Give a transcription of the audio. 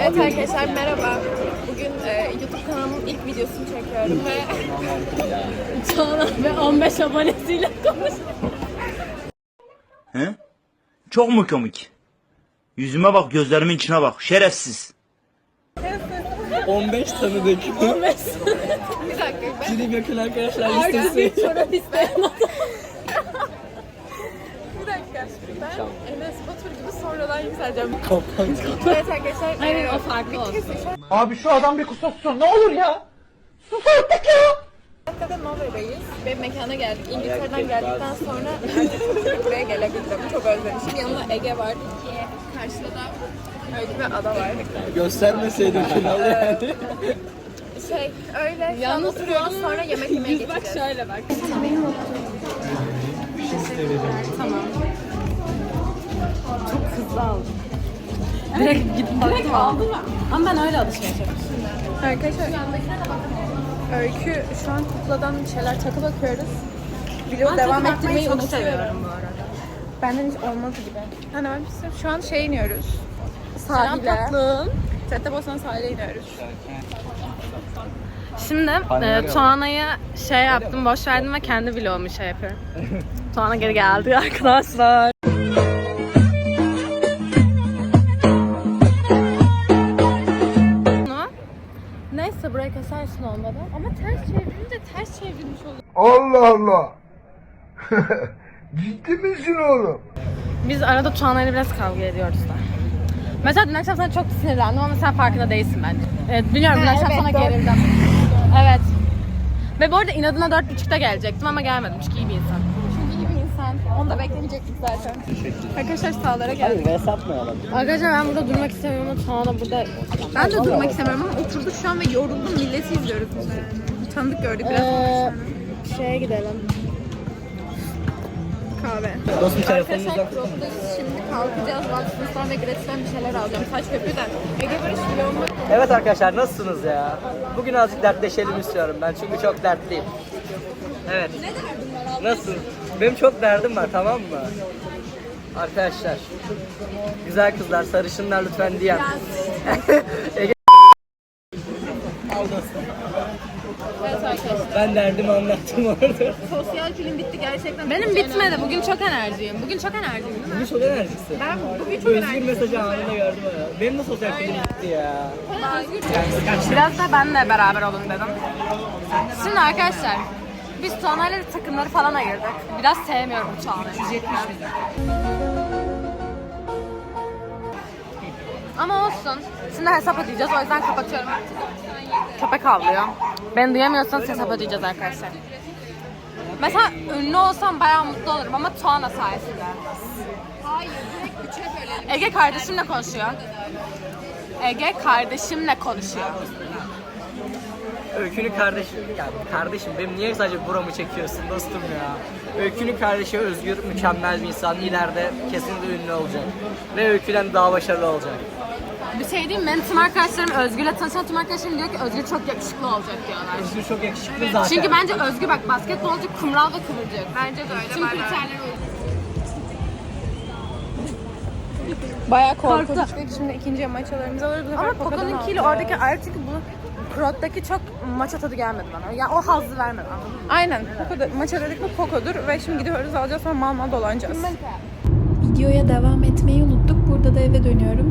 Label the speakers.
Speaker 1: Evet arkadaşlar merhaba. Bugün YouTube kanalımın ilk videosunu çekiyorum ve Çağla ve 15 abonesiyle konuşuyorum.
Speaker 2: He? Çok mu komik? Yüzüme bak, gözlerimin içine bak. Şerefsiz.
Speaker 3: 15 tanıdık.
Speaker 1: 15. Bir dakika.
Speaker 3: Cilim yakın arkadaşlar
Speaker 1: Herkes
Speaker 3: listesi.
Speaker 1: bir çorap isteyen adam. Bir dakika. Ben Enes Batur gibi sonradan yükseleceğim. Evet arkadaşlar. Hayır o farklı olsun.
Speaker 4: Abi şu adam bir kusursun ne olur ya. Sus artık ya.
Speaker 1: Dakikada Nova'dayız. Benim mekana geldik. İngiltere'den geldikten sonra artık buraya gelebildim. Çok özlemişim. Yanında Ege var. Karşıda da öyle bir ada var.
Speaker 3: Göstermeseydin finalı yani.
Speaker 1: Öyle. Yalnız oturuyoruz sonra yemek yemeye geçeceğiz. Bak şöyle bak. Tamam. Çok hızlı aldım. Direkt gidip baktım aldım. Ama ben öyle alışveriş yapıyorum. Arkadaşlar Öykü şu an kukladan bir şeyler takı bakıyoruz. Video devam ettirmeyi çok seviyorum bu arada. Benden hiç olmaz gibi. Hani ben şu an iniyoruz. Sahile. Caddebostan sahile iniyoruz.
Speaker 5: Şimdi Tuana'ya yaptım, boş verdim ve kendi vlogumu yapıyorum. Tuana geri geldi arkadaşlar. Neyse burayı kesersin olmadan. Ama ters çevirince ters çevrilmiş oluyor.
Speaker 4: Allah Allah. Ciddi misin oğlum?
Speaker 5: Biz arada Tuana'yla biraz kavga ediyoruz da. Mesela dün akşam sana çok sinirlendim ama sen farkında değilsin bence. Evet biliyorum dün akşam sana gerildim. Evet. Ve bu arada inadına 4.30'da gelecektim ama gelmedim çünkü iyi bir insan.
Speaker 1: Çünkü iyi bir insan. Onu da beklemeyecektik zaten. Arkadaşlar sağlara geldik.
Speaker 3: Hadi satmayalım.
Speaker 5: Arkadaşlar ben burada durmak istemiyorum ama Tuana burada...
Speaker 1: Ben de durmak istemiyorum ama oturduk şu an ve yoruldum. Milleti izliyoruz biz de. Tanıdık gördük biraz.
Speaker 5: Şeye gidelim.
Speaker 1: Kahve.
Speaker 3: Dostum
Speaker 1: Arkadaşlar
Speaker 3: telefonunuzdan.
Speaker 1: Krop'tayız. Şimdi kalkacağız. Watson's'tan ve Gratis'ten bir şeyler alacağım. Saç köpüğüden. Ege Barış vloguma...
Speaker 3: Evet arkadaşlar nasılsınız ya? Bugün azıcık dertleşelim istiyorum ben çünkü çok dertliyim. Evet.
Speaker 1: Ne derdin var abi?
Speaker 3: Nasıl? Benim çok derdim var tamam mı? Arkadaşlar. Güzel kızlar, sarışınlar lütfen diyen. Ege
Speaker 1: Evet arkadaşlar.
Speaker 3: ben derdimi anlattım orada.
Speaker 1: Sosyal film bitti gerçekten.
Speaker 5: Benim bitmedi. Bugün çok enerjiyim. Bugün çok enerjiyim değil mi?
Speaker 3: Bugün çok enerjisi.
Speaker 1: Ben bugün çok
Speaker 3: Özgür
Speaker 1: enerjiyim.
Speaker 3: mesajı anında gördüm ya. Benim de sosyal film bitti ya.
Speaker 5: Biraz da benle beraber olun dedim. Şimdi arkadaşlar biz Tuana'yla takımları falan ayırdık. Biraz sevmiyorum Tuana'yı. Ama olsun. Şimdi hesap ödeyeceğiz. O yüzden kapatıyorum. Köpek havlıyor. Beni duyamıyorsanız hesap ödeyeceğiz arkadaşlar. Mesela ünlü olsam bayağı mutlu olurum ama Tuana sayesinde.
Speaker 1: Hayır, direkt üçe bölelim.
Speaker 5: Ege kardeşimle konuşuyor. Ege kardeşimle konuşuyor.
Speaker 3: Öykü'nün kardeşi, yani kardeşim benim niye sadece buramı çekiyorsun dostum ya? Öykü'nün kardeşi Özgür mükemmel bir insan, ileride kesinlikle ünlü olacak. Ve Öykü'den daha başarılı olacak.
Speaker 5: Bir şey diyeyim mi? Benim tüm arkadaşlarım Özgür'le tanışan tüm arkadaşlarım diyor ki Özgür çok yakışıklı olacak diyorlar.
Speaker 3: Özgür çok yakışıklı zaten.
Speaker 5: Çünkü bence Özgür bak basketbolcu, kumral ve kıvırcık. Bence de öyle. Tüm kriterler uygun.
Speaker 1: Bayağı korkunçtuk. Şimdi ikinci maçalarımızı alırız.
Speaker 5: Ama Poco'nunkiyle oradaki ayrı çünkü bu Krot'taki çok maça tadı gelmedi bana. Ya o hazzı vermedi anladın mı?
Speaker 1: Aynen. Maça dedik mi Poco'dur ve şimdi gidiyoruz alacağız sonra mal dolanacağız.
Speaker 6: Videoya devam etmeyi unuttuk. Burada da eve dönüyorum.